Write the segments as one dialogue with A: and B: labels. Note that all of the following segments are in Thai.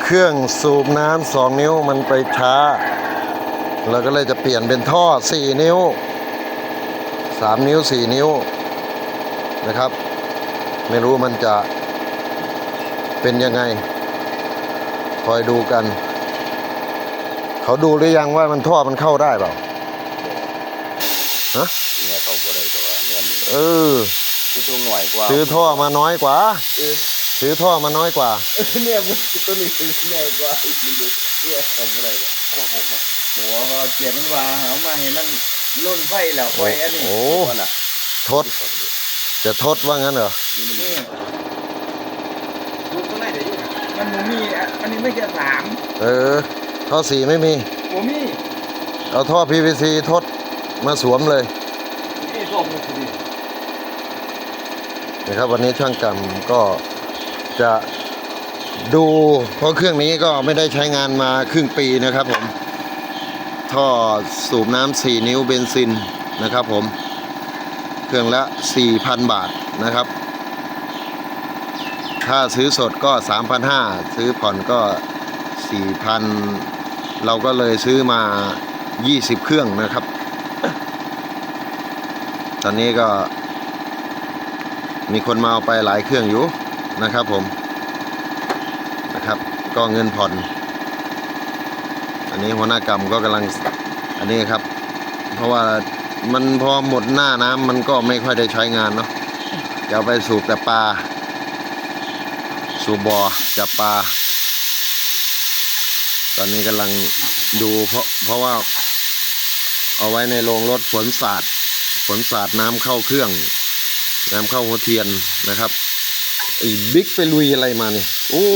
A: เครื่องสูบน้ำ2 นิ้วมันไปช้าเราก็เลยจะเปลี่ยนเป็นท่อ4 นิ้ว3 นิ้ว4 นิ้วนะครับไม่รู้มันจะเป็นยังไงคอยดูกันเขาดูหรือยังว่ามันท่อมันเข้าได้เปล่าฮะ
B: เนี่ยเขาก็ได้แต่ว่าเนี่ยมัน
A: ซื้อ
B: หน่อยกว่า
A: ซื้อท่อมาน้อยกว่าซื้อท่อมาน้อยกว่า
B: เนี่ยตัวนี้ซื้อใหญ่กว่าอีกนิดนึงเนี่ยทำอะไรกันหัวเขาเจียบมันวางเอามาเห็นมันล่นไฟแล้วไฟอันนี้
A: โอ้ทดจะทดว่างั้นเหรอ
B: ดูตรงไหนเดี๋ยวมันมีอันนี้ไม่แค่3
A: ท่อ4ไม่มี
B: มี
A: เอาท่อ PVC ทดมาสวมเลย
B: นี่ท่อ PVC
A: นะครับวันนี้ช่างกรรมก็จะดูเพราะเครื่องนี้ก็ไม่ได้ใช้งานมาครึ่งปีนะครับผมท่อสูบน้ำ4 นิ้วเบนซินนะครับผมเครื่องละ 4,000 บาทนะครับถ้าซื้อสดก็ 3,500 ซื้อผ่อนก็ 4,000 เราก็เลยซื้อมา20 เครื่องนะครับตอนนี้ก็มีคนมาเอาไปหลายเครื่องอยู่นะครับผมนะครับก็เงินผ่อนอันนี้หัวหน้ากรรมก็กำลังอันนี้ครับเพราะว่ามันพอหมดหน้าน้ำมันก็ไม่ค่อยได้ใช้งานเนาะจะเอาไปสูบแต่ปลาสูบบ่อจับปลาตอนนี้กำลังดูเพราะว่าเอาไว้ในโรงรถฝนสาดน้ำเข้าเครื่องน้ำเข้าหัวเทียนนะครับไอ้บิ๊กไปลุยอะไรมาเนี่ยโอ้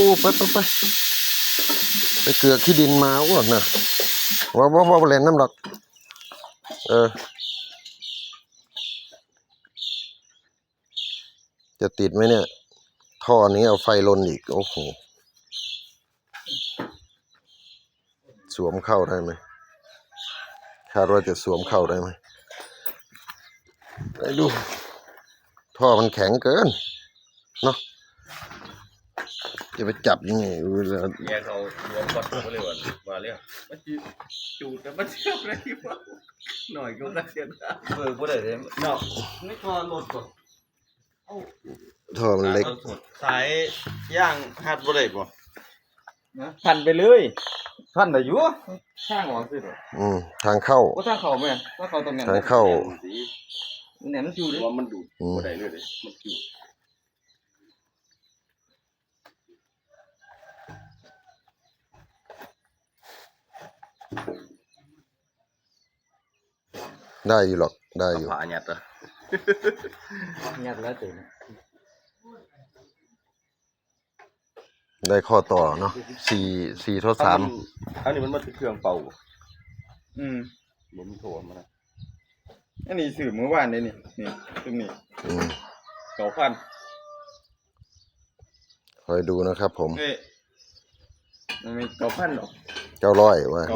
A: ไปเกลือขี้ดินมาอ้วนนะว่าเล่นน้ำหรอกจะติดไหมเนี่ยท่อนี้เอาไฟลนอีกโอ้โหสวมเข้าได้ไหมคาดว่าจะสวมเข้าได้ไหมไปดูท่อมันแข็งเกินเนาะจะไปจับยังไง
B: เนี่ยเขารวมกดมาเลยว่าเลยมันจูดแต่มันเชื่อมเลยว่าหน่อยก็กระเทียมพูดได้เลยเนาะไม่พอโหลดก่อน
A: ท่อมันเล็ก
B: สายย่างหัดบ่ได้บ่พันไปเลยพันได้อยู่ข้างหวังสิ
A: ทางเข้า
B: ทางเข้าแม่ทางเข้าตรงนั้น
A: ทางเข้า
B: เนี่ยมันอยู่ดิว่ามันดูดบ่ได้เลยมันอยู่
A: ได้อยู่หรอกได้อยู่
B: ผ่าหยัดอ่ะหยัดแล้วตื่น
A: ได้ข้อต่อเนาะ4 ทด 3
B: อันนี้มันมาถึงเครื่องเป่าผมโทรมานะอันนี้สื่อเมื่อวานเลยนี่ตรงนี้9,000
A: คอยดูนะครับผม
B: มันมี9,000หรอ
A: 900ว่า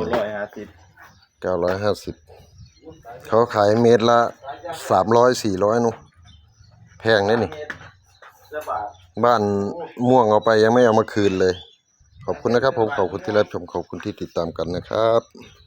A: 950เขาขายเมตรละ300-400นู่นแพงเลยนี่บ้านม่วงเอาไปยังไม่เอามาคืนเลยขอบคุณนะครับผมขอบคุณที่รับชมขอบคุณที่ติดตามกันนะครับ